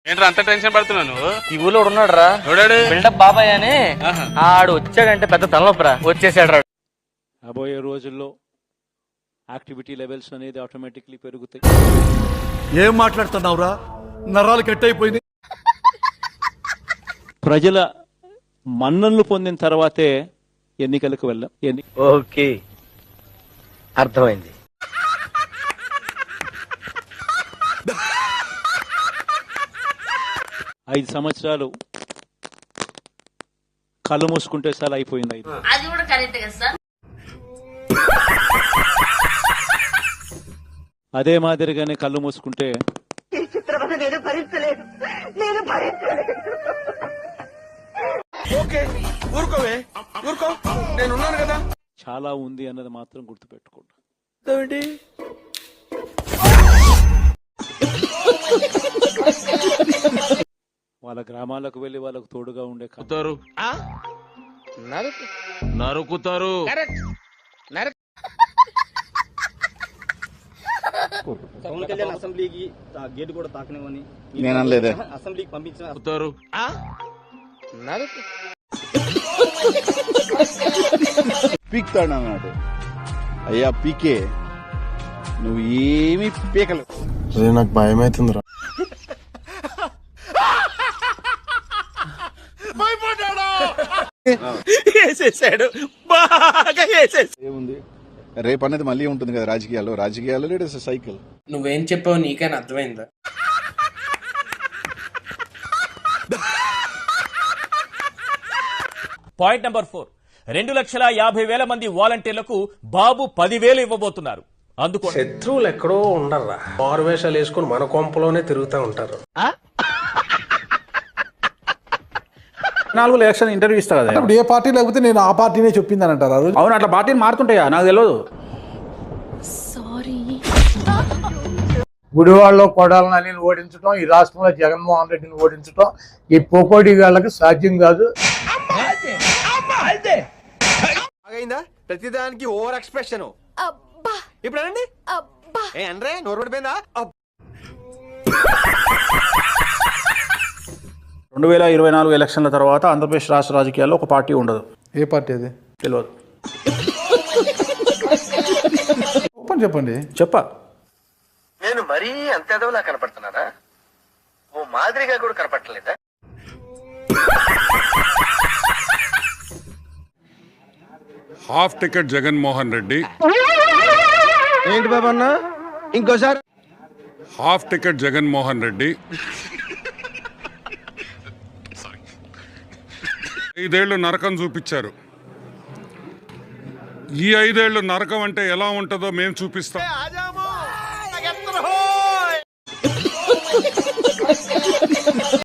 ఏంట్రా అంత టెన్షన్ పడుతున్నావు నువ్వు? ఈ ఊళ్ళో ఉన్నాడు రా, బిల్డప్ బాబాయ్ అని. ఆడు వచ్చాడంటే పెద్ద తలనొప్పరా, వచ్చేసాడు రా. రాబోయే రోజుల్లో యాక్టివిటీ లెవెల్స్ అనేది ఆటోమేటిక్లీ పెరుగుతాయి. ఏం మాట్లాడుతున్నావురా? నరాలు కట్ అయిపోయింది. ప్రజల మన్ననలు పొందిన తర్వాతే ఎన్నికలకు వెళ్ళాం. ఓకే, అర్థమైంది. ఐదు సంవత్సరాలు కళ్ళు మూసుకుంటే చాలా అయిపోయింది. అది కూడా కరెక్ట్ కదా సార్. అదే మాదిరిగానే కళ్ళు మూసుకుంటే చాలా ఉంది అన్నది మాత్రం గుర్తుపెట్టుకోండి. వాళ్ళ గ్రామాలకు వెళ్లి వాళ్ళకు తోడుగా ఉండే నరుకుతారు. పవన్ కళ్యాణ్ అసెంబ్లీకి గేట్ కూడా తాకనివ్వని నేను అనలేదే. అసెంబ్లీకి పంపించిన పీక్తాడు అన్నాడు. అయ్యా పీకే, నువ్వు ఏమి పీకలు. నాకు భయం అవుతుందిరా. ఏముంది, రేపు అనేది మళ్ళీ ఉంటుంది కదా రాజకీయాల్లో లేడు సైకిల్. నువ్వేం చెప్పావు నీకైనా అర్థమైందా? పాయింట్ నెంబర్ 4, 2,50,000 మంది వాలంటీర్లకు బాబు 10,000 ఇవ్వబోతున్నారు. అందుకో శత్రువులు ఎక్కడో ఉండర్రా, మారువేషాలు వేసుకుని మన కొంపలోనే తిరుగుతూ ఉంటారు. 4 ఎలక్షన్ ఇంటర్వ్యూ ఇస్తా కదా, ఏ పార్టీ లేకపోతే నేను ఆ పార్టీనే చెప్పిందని అంటారు. అవును, అట్లా పార్టీని మారుతుంటాయా నాకు తెలియదు. గుడివాడలో కొడాలని ఓడించడం, ఈ రాష్ట్రంలో జగన్మోహన్ రెడ్డిని ఓడించడం ఈ పోకోడి గాళ్ళకి సాధ్యం కాదు. ప్రతిదానికి ఓవర్ ఎక్స్ప్రెషన్. ఇప్పుడు అనండి, అంటే నోరు పడిపోయిందా? 2024 ఎలక్షన్ల తర్వాత ఆంధ్రప్రదేశ్ రాష్ట్ర రాజకీయాల్లో ఒక పార్టీ ఉండదు. ఏ పార్టీ అది తెలియదు. చెప్పండి. చెప్ప నేను మరీ అంత ఎదవలా కనపడుతున్నారా? ఓ మాదిరిగా కూడా కనపడలేదా? Half ticket Jaganmohan Reddy. ఏంటి బాబు అన్న, ఇంకోసారి? హాఫ్ టికెట్ జగన్మోహన్ రెడ్డి 5 ఏళ్ళు నరకం చూపించారు. ఈ 5 ఏళ్ళు నరకం అంటే ఎలా ఉంటుందో మేము చూపిస్తాం.